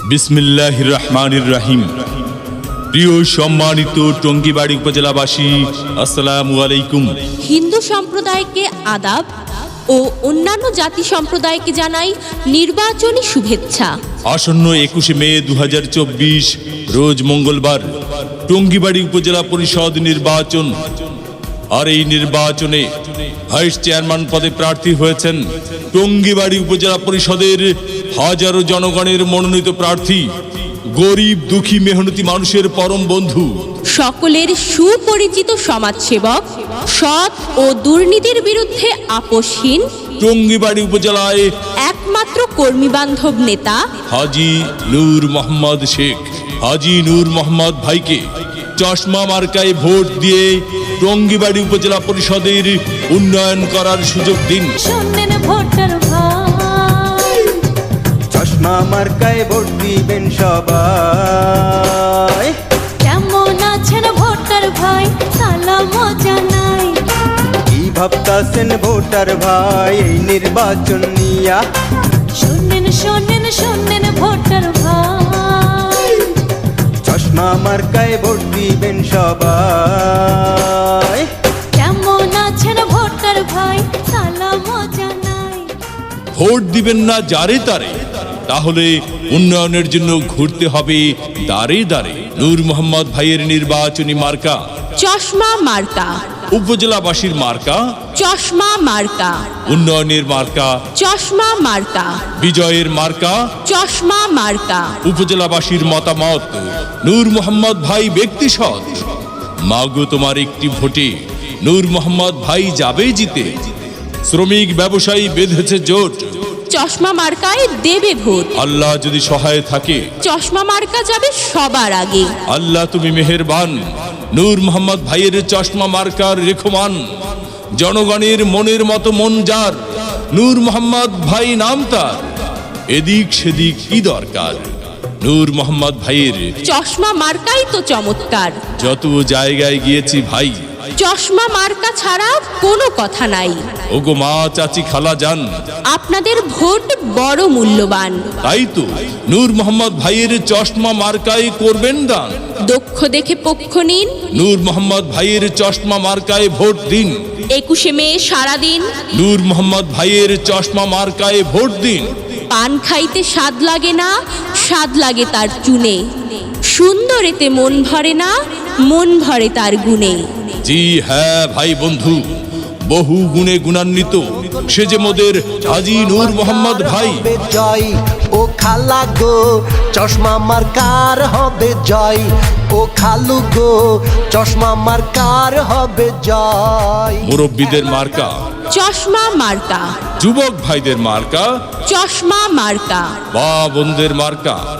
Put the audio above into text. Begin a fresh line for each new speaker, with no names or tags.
বিসমিল্লাহির রহমানির রহিম। প্রিয় সম্মানিত টঙ্গীবাড়ি উপজেলাবাসী, আসসালামু আলাইকুম।
হিন্দু সম্প্রদায়কে আদাব ও অন্যান্য জাতি সম্প্রদায়কে জানাই নির্বাচনী শুভেচ্ছা।
আসন্ন 21শে মে 2024 রোজ মঙ্গলবার টঙ্গীবাড়ি উপজেলা পরিষদ নির্বাচন। আর এই নির্বাচনে ভাইস চেয়ারম্যান পদে প্রার্থী হয়েছেন টঙ্গীবাড়ি উপজেলা পরিষদের হাজারো জনগণের মনোনীত প্রার্থী, গরিব দুঃখী মেহনতি মানুষের পরম বন্ধু,
সকলের সুপরিচিত সমাজসেবক, সৎ ও দুর্নীতির বিরুদ্ধে আপোষহীন,
টঙ্গীবাড়ি উপজেলায়
একমাত্র কর্মীবান্ধব নেতা
হাজী নূর মোহাম্মদ শেখ, হাজী নূর মোহাম্মদ ভাইকে চশমা মার্কায় ভোট দিয়ে টঙ্গীবাড়ি উপজেলা পরিষদের উন্নয়ন করার সুযোগ দিন।
শোনেন ভোটার ভাই,
চশমা মার্কায় ভোট দিবেন সবাই।
কেমন আছেন ভোটার ভাই, সালাম জানাই।
কি ভাবতাছেন ভোটার ভাই এই নির্বাচন নিয়া?
শোনেন শোনেন শোনেন ভোটার ভাই,
চশমা মার্কায় ভোট দিবেন সবাই।
কেমন আছেন ভোটার ভাই, সালাম জানাই।
ভোট দিবেন না যারে তারে, তাহলে উন্নয়নের জন্য ঘুরতে হবে দাঁড়ে দাঁড়ে। নূর মোহাম্মদ ভাইয়ের নির্বাচনী মার্কা
চশমা মার্কা,
উপজেলাবাসীর মার্কা
চশমা মার্কা,
উন্নয়নের মার্কা
চশমা মার্কা,
বিজয়ের মার্কা
চশমা মার্কা।
উপজেলাবাসীর মতামত, নূর মোহাম্মদ ভাই ব্যক্তি সৎ। মাগো তোমার একটি ভোটে নূর মোহাম্মদ ভাই যাবে জিতে। শ্রমিক ব্যবসায়ী বেঁধেছে জোট,
চশমা মার্কায় দেবে ভোট।
আল্লাহ যদি সহায় থাকে,
চশমা মার্কা যাবে সবার আগে।
আল্লাহ তুমি মেহেরবান। নূর মোহাম্মদ ভাইয়ের চশমা মার্কার রেখমান, জনগণের মনের মতো মন যার। নূর মোহাম্মদ ভাই নাম তার, এদিক সেদিক কি দরকার। নূর মোহাম্মদ ভাইয়ের
চশমা মার্কাই তো চমৎকার।
যত জায়গায় গিয়েছি ভাই,
চশমা মার্কা ছাড়া কোনো কথা নাই।
ওগো মা চাচি খালা যান,
আপনাদের ভোট বড় মূল্যবান।
তাই তো নূর মোহাম্মদ ভাইয়ের চশমা মার্কায় করবেন দান।
দক্ষ দেখে পক্ষ নিন,
নূর মোহাম্মদ ভাইয়ের চশমা মার্কায় ভোট দিন।
21শে মে সারাদিন
নূর মোহাম্মদ ভাইয়ের চশমা মার্কায় ভোট দিন।
পান খাইতে স্বাদ লাগে না, স্বাদ লাগে তার চুনে। সুন্দরেতে মন ভরে না, মন ভরে তার গুণে।
জি হ্যাঁ ভাই বন্ধু, বহু গুণে গুণান্বিত সে যে মোদের হাজী নূর মোহাম্মদ ভাই।
হবে জয় ও খালা গো, চশমা মার্কার হবে জয়। ও খালু গো, চশমা মার্কার হবে জয়।
মুরব্বীদের মার্কা
চশমা মার্কা,
যুবক ভাইদের মার্কা,
চশমা মার্কা।
মা বোনদের মার্কা।